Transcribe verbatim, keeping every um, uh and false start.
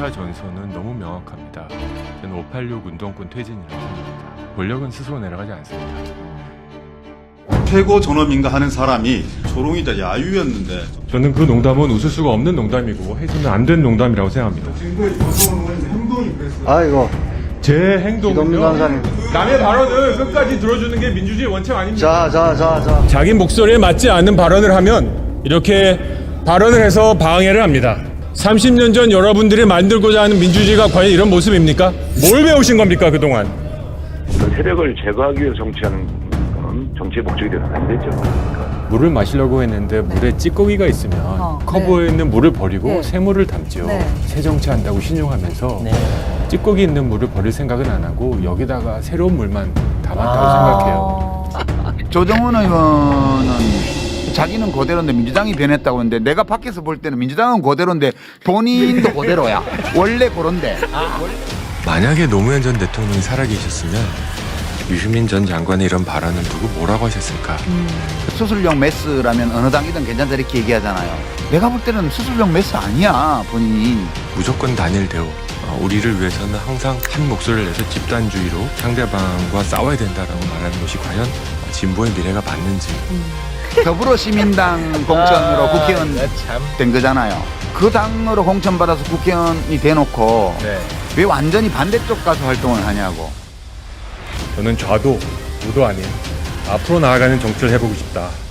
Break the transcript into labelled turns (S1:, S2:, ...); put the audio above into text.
S1: 차 전선은 너무 명확합니다. 저는 오팔육 운동권 퇴진이라고 생각합니다. 권력은 스스로 내려가지 않습니다.
S2: 최고 존엄인가 하는 사람이 조롱이자 야유였는데
S1: 저는 그 농담은 웃을 수가 없는 농담이고 해주면 안 되는 농담이라고 생각합니다.
S2: 행동이 그랬어요.
S3: 아이고
S1: 제 행동은요,
S3: 기동단사님.
S1: 남의 발언을 끝까지 들어주는 게 민주주의 원칙 아닙니까?
S3: 자 자 자 자
S1: 자기 목소리에 맞지 않는 발언을 하면 이렇게 발언을 해서 방해를 합니다. 삼십 년 전 여러분들이 만들고자 하는 민주주의가 과연 이런 모습입니까? 뭘 배우신 겁니까 그동안?
S4: 그 세력을 제거하기 위해서 정치하는 건 정치의 목적이 되면 안 되죠.
S1: 물을 마시려고 했는데 물에 찌꺼기가 있으면
S5: 어,
S1: 커버에 있는 물을 버리고
S5: 네.
S1: 새물을 담죠.
S5: 네.
S1: 새 정치한다고 신용하면서 찌꺼기 있는 물을 버릴 생각은 안 하고 여기다가 새로운 물만 담았다고 생각해요.
S6: 조정훈 의원은 자기는 그대로인데 민주당이 변했다고 하는데 내가 밖에서 볼 때는 민주당은 그대로인데 본인도 그대로야. 원래 그런데.
S1: 만약에 노무현 전 대통령이 살아계셨으면 유시민 전 장관의 이런 발언을 두고 뭐라고 하셨을까?
S6: 수술용 메스라면 어느 당이든 괜찮다 이렇게 얘기하잖아요. 내가 볼 때는 수술용 메스 아니야 본인이.
S1: 무조건 단일 대우. 어, 우리를 위해서는 항상 한 목소리를 내서 집단주의로 상대방과 싸워야 된다라고 말하는 것이 과연 진보의 미래가 맞는지.
S6: 더불어시민당 공천으로 국회의원 된 거잖아요. 그 당으로 공천받아서 국회의원이 돼놓고 왜 완전히 반대쪽 가서 활동을 하냐고.
S1: 저는 좌도 우도 아닌 앞으로 나아가는 정치를 해보고 싶다.